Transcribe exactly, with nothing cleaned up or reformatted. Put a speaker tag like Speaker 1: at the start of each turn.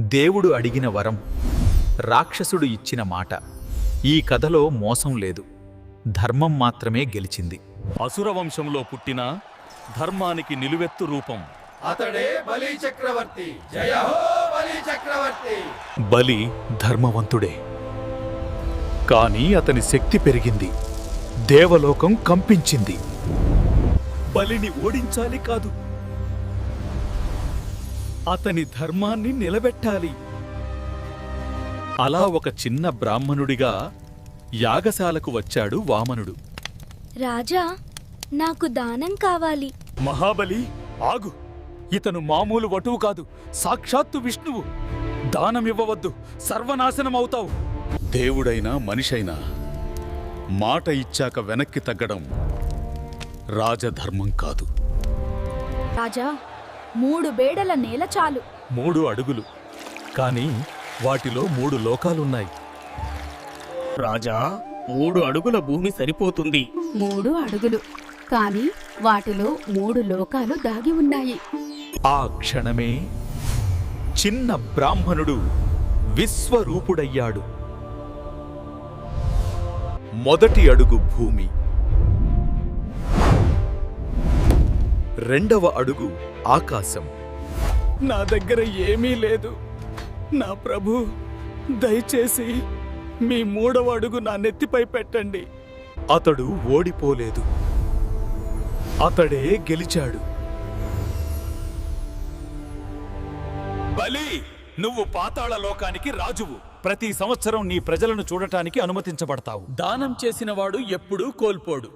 Speaker 1: దేవుడు అడిగిన వరం, రాక్షసుడు ఇచ్చిన మాట. ఈ కథలో మోసం లేదు, ధర్మం మాత్రమే గెలిచింది.
Speaker 2: అసుర వంశంలో పుట్టిన ధర్మానికి నిలువెత్తు రూపం
Speaker 3: అతడే బలి చక్రవర్తి. జయ హో బలి చక్రవర్తి.
Speaker 1: బలి ధర్మవంతుడే, కాని అతని శక్తి పెరిగింది, దేవలోకం కంపించింది. బలిని ఓడించాలి కాదు, అతని ధర్మాన్ని నిలబెట్టాలి. అలా ఒక చిన్న బ్రాహ్మణుడిగా యాగశాలకు వచ్చాడు వామనుడు.
Speaker 4: రాజా, నాకు దానం కావాలి.
Speaker 1: మహాబలి, ఆగు! ఇతను మామూలు వటువు కాదు, సాక్షాత్తు విష్ణువు. దానమివ్వవద్దు, సర్వనాశనమవుతావు. దేవుడైనా మనిషైనా మాట ఇచ్చాక వెనక్కి తగ్గడం రాజధర్మం కాదు.
Speaker 4: రాజా, మూడు బేడల నేల చాలు.
Speaker 1: మూడు అడుగులు, కాని వాటిలో మూడు లోకాలున్నాయి.
Speaker 5: రాజా, మూడు అడుగుల భూమి సరిపోతుంది.
Speaker 6: మూడు అడుగులు, కాని వాటిలో మూడు లోకాలు దాగి ఉన్నాయి.
Speaker 1: ఆ క్షణమే చిన్న బ్రాహ్మణుడు విశ్వరూపుడయ్యాడు. మొదటి అడుగు భూమి, రెండవ అడుగు ఆకాశం. నా దగ్గర ఏమీ లేదు, నా ప్రభు, దయచేసి మీ మూడవ అడుగు నా నెత్తిపై పెట్టండి. అతడు ఓడిపోలేదు, అతడే గెలిచాడు. బలి, నువ్వు పాతాళ లోకానికి రాజువు. ప్రతి సంవత్సరం నీ ప్రజలను చూడటానికి అనుమతించబడతావు. దానం చేసినవాడు ఎప్పుడూ కోల్పోడు.